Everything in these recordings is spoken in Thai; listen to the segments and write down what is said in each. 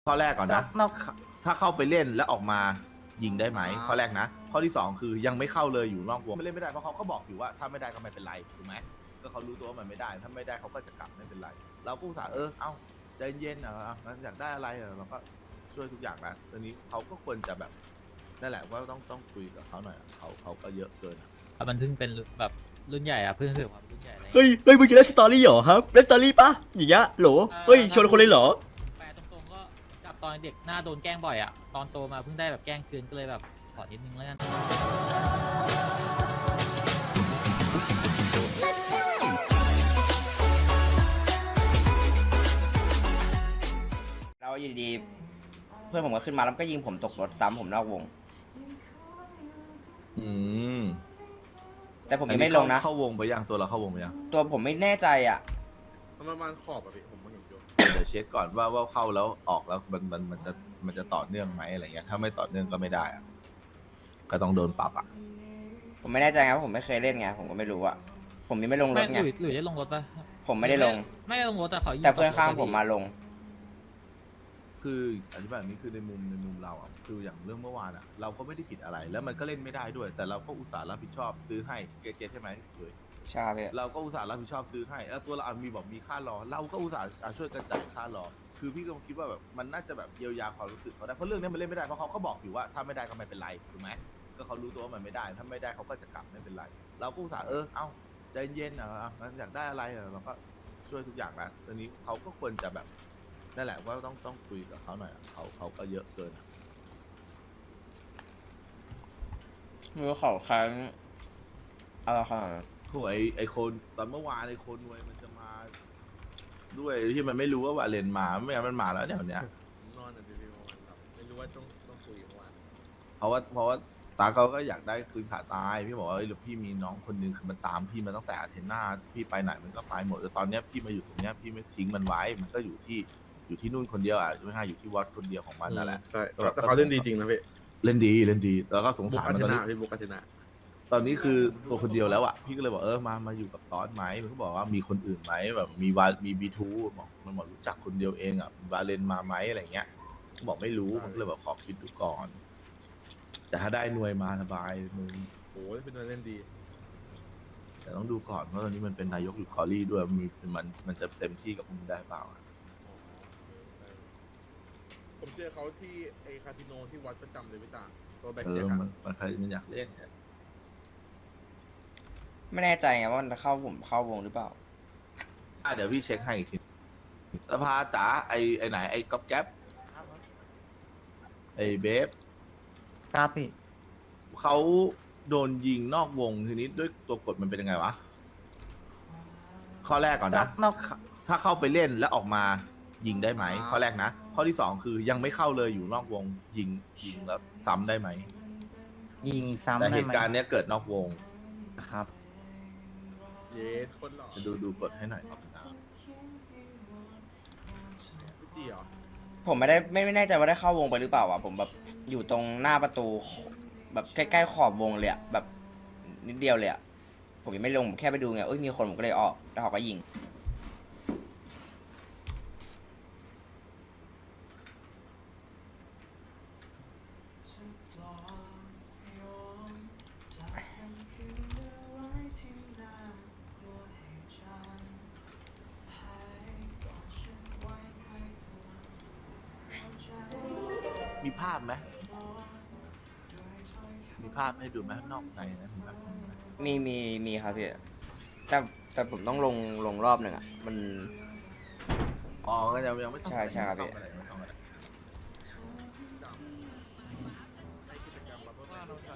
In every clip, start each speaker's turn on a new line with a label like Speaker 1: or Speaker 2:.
Speaker 1: ข้อแรกก่อนนะ
Speaker 2: นอก
Speaker 1: ถ้าเข้าไปเล่นแล้วออกมายิงได้ไหมข้อแรกนะข้อที่สองคือยังไม่เข้าเลยอยู่นอกวงไม่เล่นไม่ได้เพราะเขาก็บอกอยู่ว่าถ้าไม่ได้ก็ไม่เป็นไรถูกไหมก็เขารู้ตัวว่ามันไม่ได้ถ้าไม่ได้เขาก็จะกลับไม่เป็นไรเราก็อุตส่าห์เอ้าใจเย็นมันอยากได้อะไรเราก็ช่วยทุกอย่างนะตอนนี้เขาก็ควรจะแบบนั่นแหละว่าต้องคุยกับเขาหน่อยเขาก็เยอะเกิน
Speaker 3: มันเพิ่งเป็นแบบรุ่นใหญ่อะเพิ่งถึงความรุ่นใหญ่อะไร
Speaker 4: เฮ้ยมึงจะเล่นสตอรี่เหรอครับเล่นสตอรี่ปะอย่างเงี้ยโหลเฮ้ยชวนคนเลยเหรอ
Speaker 3: แปลตรงๆก็กับตอนเด็กหน้าโดนแกล้งบ่อยอะตอนโตมาเพิ่งได้แบบแกล้งคืนก็เลยแบบขอนิดนึงแล้วกัน
Speaker 2: เราอยู่ดีๆเพื่อนผมก็ขึ้นมาแล้วก็ยิงผมตกรถซ้ำผมนอกวง
Speaker 1: อืม
Speaker 2: แต่ผมยังไม่ลงนะ
Speaker 1: เข้าวงไปยังตัวเราเข้าวงไปยัง
Speaker 2: ตัวผมไม่แน่ใจอ่ะ
Speaker 5: มันประมาณขอบอะพี่ผมเห็นอยู่
Speaker 1: เดี๋ยวเช็คก่อนว่าเข้าแล้วออกแล้วมันจะต่อเนื่องไหมอะไรเงี้ยถ้าไม่ต่อเนื่องก็ไม่ได้อะก็ต้องโดนปรับอ่ะ
Speaker 2: ผมไม่แน่ใจไงเพราะผมไม่เคยเล่นไงผมก็ไม่รู้อ่ะผมยังไม่ลงร
Speaker 3: ไม่
Speaker 2: ถไง
Speaker 3: หลุยได้ลงรถปะ
Speaker 2: ผมไม่ได้ลง
Speaker 3: ไม่ได้ลงรถแต่เขายิง
Speaker 2: แต่เพื่อนข้างผมมาลง
Speaker 1: คืออธิบายแบบนี้คือในมุมเราอ่ะคืออย่างเรื่องเมื่อวานอ่ะเราก็ไม่ได้ผิดอะไร แล้วมันก็เล่นไม่ได้ด้วย แต่เราก็อุตส่าห์รับผิดชอบซื้อให้เกตใช่ไหมเลย
Speaker 2: ใช่ครับพี่
Speaker 1: เราก็อุตส่าห์รับผิดชอบซื้อให้แล้วตัวเรามีค่ารอ เราก็อุตส่าห์ช่วยกันจ่ายค่ารอ คือพี่ก็คิดว่าแบบมันน่าจะแบบเยียวยาความรู้สึกเขาได้เพราะเรื่องนี้มันเล่นไม่ได้เพราะเขาก็บอกอยู่ว่าถ้าไม่ได้ก็ไม่เป็นไรถูกไหมก็เขารู้ตัวว่ามันไม่ได้ถ้าไม่ได้เขาก็จะกลับไม่เป็นไร เราก็อุตส่าห์เอ้าใจเย็นมันอยากได้อะไรเราก็ช่วยทุกอย่างนะตอนนี้เขาก็ควรจะแบบนั่นแหละว่าต้องคุยกับเขาหน่อยเขาก็เยอะเกิน
Speaker 2: มือเขาครั้งอะไรขนาดนั้น
Speaker 1: โหไอคนตอนเมื่อวานไอคนนวยมันจะมา ด้วยที่มันไม่รู้ว่าวาเลนมาไม่งั้นมันมาแล้วเนี่ยวันเนี้ย
Speaker 5: ผมนอนอ่ะพี่เมื่อวานครับไม่รู้ว่าต้องคุยเมื่อวาน
Speaker 1: เพราะว่าตาเขาก็อยากได้คืนขาตายพี่บอกว่าพี่มีน้องคนนึงคือมันตามพี่มาตั้งแต่อาเทน่าพี่ไปไหนมันก็ไปหมดแต่ตอนเนี้ยพี่มาอยู่ตรงเนี้ยพี่ไม่ทิ้งมันไว้มันก็อยู่ที่นู่นคนเดียวไม่ใช่อยู่ที่วัดคนเดียวของมันนั่นแหละ
Speaker 5: ใช่แต่เขาเล่นดีจริงนะพี่
Speaker 1: เล่นดีแล้วก็สง
Speaker 5: บุก
Speaker 1: สาร
Speaker 5: อา
Speaker 1: มัน
Speaker 5: เท
Speaker 1: ตอน
Speaker 5: นา
Speaker 1: นี้
Speaker 5: พี่บุกอาเทนา
Speaker 1: ตอนนี้คือตัวคนเดียวแล้วอ่ะพี่ก็เลยบอกมาอยู่กับตอนไหมมันก็บอกว่ามีคนอื่นไหมแบบมีบีทูบอกมันบอกรู้จักคนเดียวเองอ่ะวาเลนมาไหมอะไรเงี้ยบอกไม่รู้มันก็เลยบอกขอคิดดูก่อน แต่ถ้าได้หน่วยมาสบายมึง
Speaker 5: โอ้ยเป็นเล่นดี
Speaker 1: แต่ต้องดูก่อนเพราะตอนนี้มันเป็นนายกอยู่คอรี่ด้วยมันจะเต็มที่กับมึงได้เปล่าอะ
Speaker 5: ผมเจอเขาที่ไอคาสิโนที่วัดประจำเลยพี่ตาตัวแบ็ค
Speaker 1: เอ
Speaker 5: แจ็
Speaker 1: อ
Speaker 5: ค
Speaker 1: มันใครมันอยากเล่นเนี่ย
Speaker 2: ไม่แน่ใจไงว่ามันจะผมเข้าวงหรือเปล่า
Speaker 1: เดี๋ยวพี่เช็คให้อีกทีสภาจ๋าไอไหนไอก๊อปแก๊ปไอเบฟ
Speaker 6: ครับพี่
Speaker 1: เขาโดนยิงนอกวงทีนี้ด้วยตัวกฎมันเป็นยังไงวะข้อแรกก่อนนะ
Speaker 6: นอก
Speaker 1: ถ้าเข้าไปเล่นแล้วออกมายิงได้ไหมข้อแรกนะข้อที่สองคือยังไม่เข้าเลยอยู่นอกวงยิงแล้วซ้ำได้ไหม
Speaker 6: ยิงซ้ำ
Speaker 1: แต่
Speaker 6: ได้
Speaker 1: เห
Speaker 6: ไหม
Speaker 1: ตุการณ์เนี้ยเกิดนอกวง
Speaker 6: ครับ
Speaker 5: เยสคนหล่อ
Speaker 1: จะดูกฎให้หน่อยครับ
Speaker 5: พี่จีเหรอ
Speaker 2: ผมไม่แน่ใจว่าได้เข้าวงไปหรือเปล่าอ่ะผมแบบอยู่ตรงหน้าประตูแบบใกล้ๆขอบวงเลยอ่ะแบบนิดเดียวเลยอ่ะผมยังไม่ลงผมแค่ไปดูไงมีคนผมก็เลยออกแล้วเขาก็ยิง
Speaker 1: มีภาพไหมมีภาพให้ดูไหมนอกในนะมีภาพไหม
Speaker 2: มีครับพี่แต่ผมต้องลงรอบหนึ่งอ่ะมัน
Speaker 1: อ๋อก็ยังไม่ต้อง
Speaker 2: ใช่ครับพี่
Speaker 1: ไม่ต้องอะไร
Speaker 5: ในกิจกรรมบับเบิ้ลแมน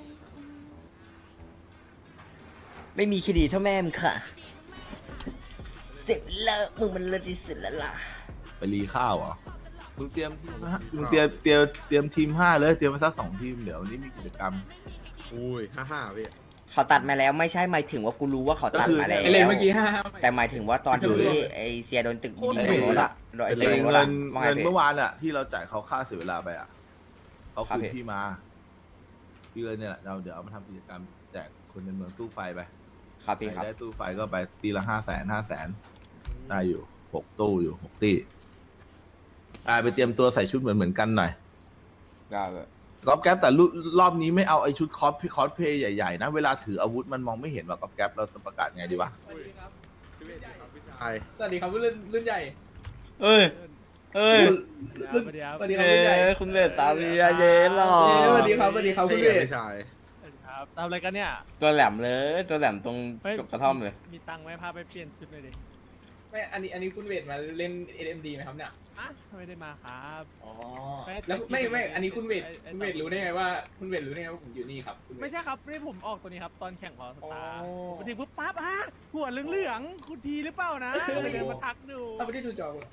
Speaker 2: ไม่มีคดีเท่าแม่มึงค่ะเสร็จแล้วมึงมันเลิศที่สุดแล้วล่ะ
Speaker 1: ไปรีข้าวเหรอมึงเตรียมทีมนะมึงเตรียมทีม5เลยเตรียมมาสัก2 ทีมเดี๋ยววันนี้มีกิจกรรม
Speaker 5: อุ้ย55พี่
Speaker 2: เขาตัดมาแล้วไม่ใช่หมายถึงว่ากูรู้ว่าเขาตัดมาแล้ว
Speaker 1: ก็คือ
Speaker 6: เลยเมื่อกี้
Speaker 2: แต่หมายถึงว่าตอนที่ไอเซียโดนตึกยิงตรงรถอะโดนไอเซียโดนรถ
Speaker 1: เงิ
Speaker 2: อะ
Speaker 1: น
Speaker 2: ว่าไง
Speaker 1: เงิน
Speaker 2: พี่
Speaker 1: เมื่อวานอะที่เราจ่ายเขาค่าเสียเวลาไปอะเขา
Speaker 2: ครับ
Speaker 1: คืน
Speaker 2: พี่
Speaker 1: พี่มาพี่เลยเนี่ยแหละเดี๋ยวเอามาทำกิจกรรมแจกคนในเมืองตู้ไฟไป
Speaker 2: ครับพี่ครับ
Speaker 1: ได้ตู้ไฟก็ไปตีละ500,000ได้อยู่6 ตู้อยู่6 ตีไปเตรียมตัวใส่ชุดเหมือนกันหน่อย
Speaker 2: ได้เลย
Speaker 1: ก๊อฟแก๊ปแต่รอบนี้ไม่เอาไอชุดคอสเพย์ใหญ่ๆนะเวลาถืออาวุธมันมองไม่เห็นว่าก๊อฟแก๊ปเราจะประกาศไงดีวะ
Speaker 5: พี่เวทดีครับพี่ชาย
Speaker 7: สวัสดีครับรุ่นใหญ่
Speaker 4: เอ้ยเอ้ย
Speaker 7: รุ่นสวัสดีครับรุ่นใหญ่
Speaker 4: คุณเวทตาเบียเย็นหรอ
Speaker 7: สวัสดีครับคุณเวท
Speaker 5: พี่ชาย
Speaker 8: ครับทำอะไรกันเนี่ย
Speaker 2: ตัวแหลมเลยตัวแหลมตรง
Speaker 8: เฮ้ย
Speaker 2: จบกระท่อมเลย
Speaker 8: มีตังค์ไหมพาไปเปลี่ยนชุดเลยดิ
Speaker 7: ไม่อันนี้คุณเวทมาเล่น SMD ไหมครับเนี่ย
Speaker 8: อ่ะไม่ได้มาครับ
Speaker 7: อ๋อแล้วไม่อันนี้คุณเวทรู้ได้ไงว่าผมอยู่นี่ครับคุณเว
Speaker 8: ไม่
Speaker 7: ท
Speaker 8: ใช่ครับนี่ผมออกตัวนี้ครับ ตอนแข่งพอสตาร์
Speaker 7: อ๋อ
Speaker 8: ผมไปถึงปุ๊บปั๊บอ่ะหัวเหลืองๆคุณทีหรือเปล่านะเลยเดินมาทักดู
Speaker 7: เราไม่ได้ดูจอคุณ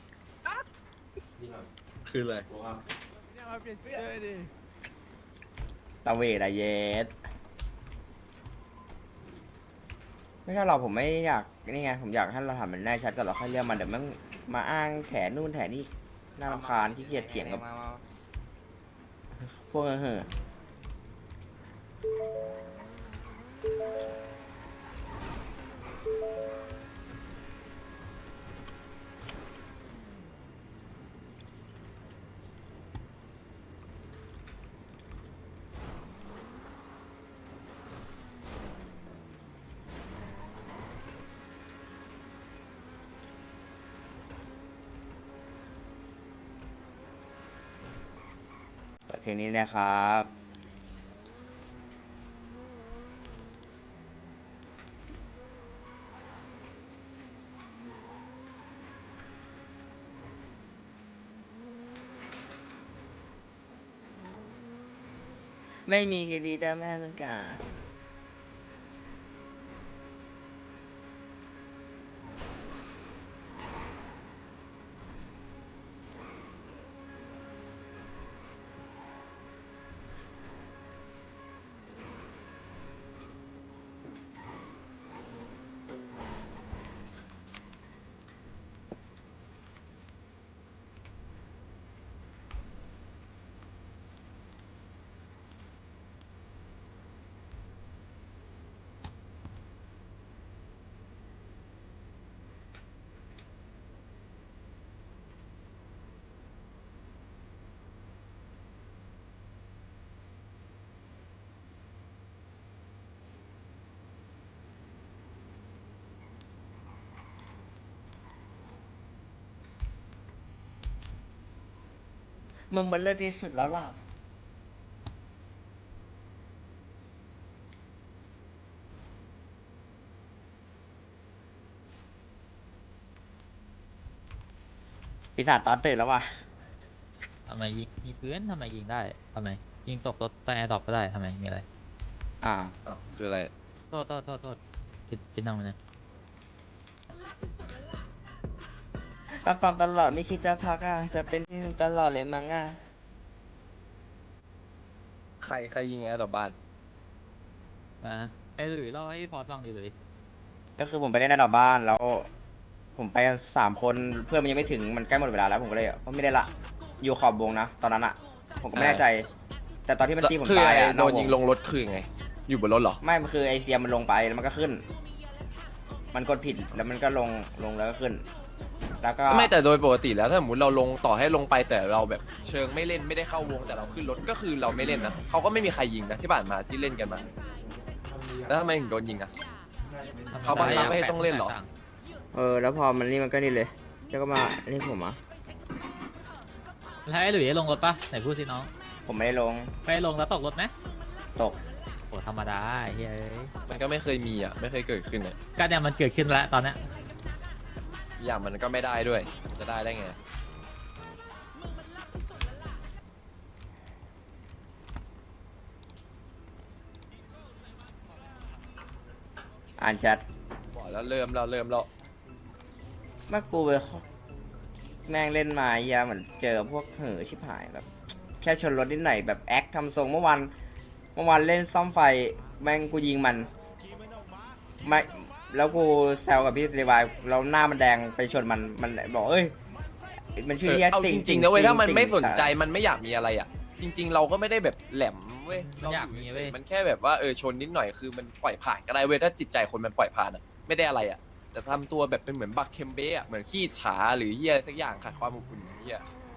Speaker 5: คืออะไร
Speaker 8: เนี่ยมาเปลี่ยนชุดเลยดิ
Speaker 2: ตาเวทอะเยสไม่ใช่หรอกผมไม่อยากนี่ไงผมอยากให้เราทำมันแน่ชัดก่อนเราค่อยเรียกมันเดี๋ยวมันมาอ้างแถนู่นแถนี่น่ารำคาญขี้เกียจเถียงกับพวกเห่อ เปิดเพลงนี้นะครับ ไม่มีคดีแต่แม่ต้องการมึงมันเลิศที่สุดแล้วล่ะ ปีศาจตอนตื่นแล้วว่ะ
Speaker 3: ทำไมยิงมีปืนทำไมยิงได้ทำไมยิงตกรถใต้แอร์ดรอปก็ได้ทำไมมีอะไร
Speaker 2: อ่า
Speaker 4: คืออะไร
Speaker 3: โทษผิดนั่งมันนะ
Speaker 2: ตอนฟังตลอดไม่คิดจะพักอ่ะ จะเป็นที่หนึ่งตลอดเลยมั้งอ่ะ
Speaker 4: ใครยิงแอร์ดรอปบ้าน
Speaker 3: ไอ้หลุยเล่าให้พอฟังดิหลุย
Speaker 2: ก็คือผมไปเล่นในดอกบ้านแล้ว ผมไปกัน3 คนเพื่อนมันยังไม่ถึงมันใกล้หมดเวลาแล้วผมก็เลยไม่ได้ละอยู่ขอบวงนะตอนนั้นอ่ะ ผมก็ไม่แน่ใจ แต่ตอนที่มันตีผมตายอ่ะ
Speaker 4: โดนยิงลงรถคือไง อยู่บนรถเหรอ
Speaker 2: ไม่มันคือไอเซียมันลงไปแล้วมันก็ขึ้น มันกดผิดแล้วมันก็ลงแล้วก็ขึ้น แล้วก็
Speaker 4: ไม่แต่โดยปกติแล้วถ้าสมมติเราลงต่อให้ลงไปแต่เราแบบเชิงไม่เล่นไม่ได้เข้าวงแต่เราขึ้นรถก็คือเราไม่เล่นนะเขาก็ไม่มีใครยิงนะที่ผ่านมาที่เล่นกันมาแล้วทำไมถึงโดนยิงอ่ะ เขาบังคับให้ต้องเล่นเหรอ
Speaker 2: แล้วพอมันนี่มันก็นี่เลยแล้วก็มานี่ผมอ่ะ
Speaker 3: แล้วไอ้หลุยลงรถปะไหนพูดสิน้อง
Speaker 2: ผมไม่ได้ลง
Speaker 3: ไปลงแล้วตกรถไหม
Speaker 2: ตก
Speaker 3: โหธรรมดาเฮ้ย
Speaker 4: มันก็ไม่เคยมีอ่ะไม่เคยเกิดขึ้นอ่ะ
Speaker 3: ก็เนี่ยมันเกิดขึ้นแล้วตอนเนี้ย
Speaker 4: อย่างมันก็ไม่ได้ด้วยจะได้ไง
Speaker 2: อ่านแชท
Speaker 4: บอกแล้วเริ่มแล้ว
Speaker 2: เมื่อกูไปแม่งเล่นมาเหี้ยเหมือนเจอพวกเห่อชิบหายแบบ แค่ชนรถนิดหน่อยแบบแอคทำทรงเมื่อวานเล่นซ่อมไฟแม่งกูยิงมันไม่แล้วกูแซวกับพี่สิริวายแล้วหน้ามันแดงไปชนมันบอกเอ้ยมันชื่อเรียก
Speaker 4: เอา
Speaker 2: ติ่
Speaker 4: จ
Speaker 2: ง
Speaker 4: ริงๆนะเว้ยถ้ามัน
Speaker 2: ติ่ง
Speaker 4: ไม่สนใจมันไม่อยากมีอะไรอ่ะ จริง ๆ เราก็ไม่ได้แบบแหลมเว้ย
Speaker 3: มันอยากมีเว้ย
Speaker 4: มันแค่แบบว่าชนนิดหน่อยคือมันปล่อยผ่านก็ได้เว้ยถ้าจิตใจคนมันปล่อยผ่านอ่ะไม่ได้อะไรอ่ะแต่ทำตัวแบบเป็นเหมือนบักเคมเบ้อะเหมือนขี้ฉาหรือเหี้ยสักอย่างขาดความอบอุ่นเหี้ย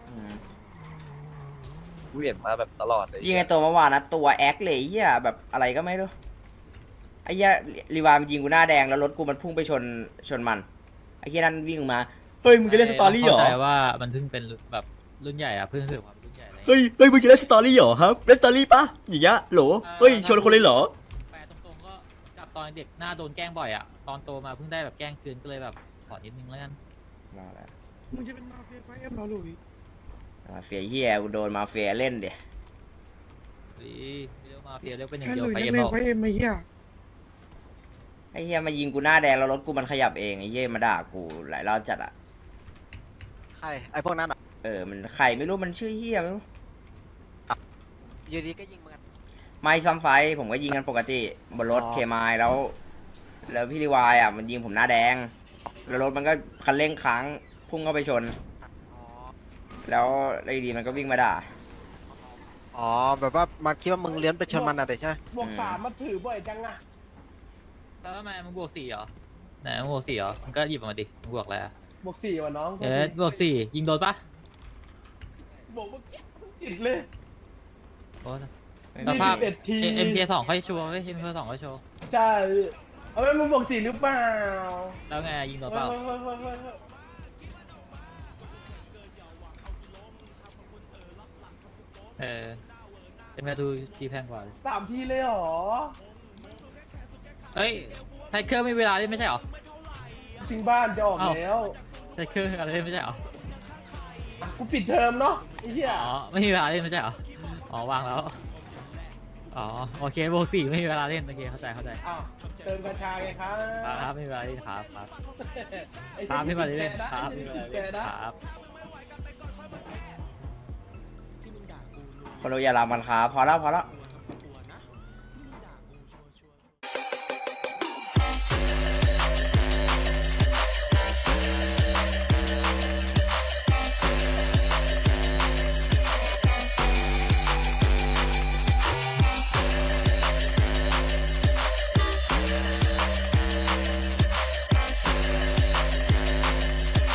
Speaker 4: กูเห็นมาแบบตลอดเลย
Speaker 2: ยิงไอตัวเมื่อวานนะตัวแอคเลยไอ้เหี้ยแบบอะไรก็ไม่รู้ไอ้เหี้ยรีวายมันยิงกูหน้าแดงแล้วรถกูมันพุ่งไปชนมันไอ้เหี้ยนั่นวิ่งมาเฮ้ยมึงจะเล่นสตอรี่เหรอ
Speaker 3: เข้าใจว่ามันเพิ่งเป็นแบบรุ่นใหญ่อะเพิ่งถือความรุ่นใหญ่อะไร
Speaker 2: เฮ้ยมึงจะเล่นสตอรี่เหรอครับเล่นสตอรี่ปะอย่างเงี้ยโหลเฮ้ยชนคนเลยเหรอ
Speaker 3: แปลตรงๆก็กับตอนเด็กหน้าโดนแกล้งบ่อยอะตอนโตมาเพิ่งได้แบบแกล้งคืนก็เลยแบบขอนิดนึงแล้วกัน
Speaker 8: มึงจะเป็นมาเฟียไฟเอ็มเหรอหลุย
Speaker 2: มาเฟียเหี้ยกูโดนมาเฟียเล่นเดี๋ย
Speaker 3: เรียกมาเฟียเรียกเป็นอย่าง
Speaker 8: แค่
Speaker 3: เดี
Speaker 8: ห
Speaker 3: ยว
Speaker 8: ลุย
Speaker 3: ไป
Speaker 8: นัก
Speaker 3: เอ็ม
Speaker 8: เล
Speaker 3: บ
Speaker 8: ง
Speaker 3: อก
Speaker 8: ไฟเอ็มไอ้เหี้ย
Speaker 2: ไอ้เหี้ยมายิงกูหน้าแดงแล้วรถกูมันขยับเองไอ้เหี้ยมาด่ากูหลายรอบจัดอ่ะ
Speaker 9: ใครไอ้พวกนั้นอ่ะ
Speaker 2: มันใครไม่รู้มันชื่อเหี้ยไม่รู้
Speaker 9: อยู่ดีก็ยิงมึงอะ
Speaker 2: ไม่ซ้ำไฟผมก็ยิงกันปกติบนรถ
Speaker 9: อ๋อ
Speaker 2: เคมายแล้วพี่รีวายอ่ะมันยิงผมหน้าแดง แล้วรถมันก็คันเร่งค้างพุ่งเข้าไปชน
Speaker 9: อ๋อ
Speaker 2: แล้วไอ้ดีมันก็วิ่งมาด่า
Speaker 9: อ๋อแบบว่ามันคิดว่ามึงเลี้ยนไปชนมันอะเด็กใช่ไหม
Speaker 2: บวกสามมาถือบ่อยจัง
Speaker 3: แล้วทำไมมึงบวก4เหรอไหนมึงบวก4เหรอมึงก็หยิบออกมาดิมึงบวกอะไรอะ
Speaker 8: บวก4ว่ะน้อง
Speaker 3: บวก4ยิงโดนปะ
Speaker 8: บวกเมื่อกี้ติดเลย
Speaker 3: โอ้สภาพ
Speaker 8: 21ที
Speaker 3: MK2 ค่อยชัวร์เว้ย MK2 ค่อยชัวร์
Speaker 8: ใช่เอาไว้มึงบวก4หรือเปล่า
Speaker 3: แล้วไงยิงโดนเปล่า
Speaker 8: เฮ้ย
Speaker 3: MK2 ทีแพงกว่า
Speaker 8: 3 ทีเลยเหรอ
Speaker 3: เฮ้ยไทเกอร์ไม่มีเวลาเล่นไม่ใช่เหรอ
Speaker 8: ชิงบ้านจะออก
Speaker 3: อ้าว
Speaker 8: แล้ว
Speaker 3: ไทเกอร์อะไรเล่นไม่ใช่เหรอ
Speaker 8: อ่ะกูปิดเทอมเนาะไอ้เหี้ย
Speaker 3: อ๋อไม่มีเวลาเล่นไม่ใช่เหรอ อ๋อวางแล้ว อ๋อโอเคบวก4ไม่มีเวลาเล่นโอเคเข้าใจ
Speaker 8: อ้าวเติมกัญชาไงครับ
Speaker 3: ครับไม่มีเวลาเล่นครับ
Speaker 8: ไอ้
Speaker 3: ครับไม่มีเวลา
Speaker 8: แก
Speaker 3: เล่น
Speaker 8: นะครับ
Speaker 3: ไม่มีเวลา
Speaker 8: แก
Speaker 3: เล่น
Speaker 8: นะครับ
Speaker 2: คนดูอย่าลามันครับพอแล้วพอแล้ว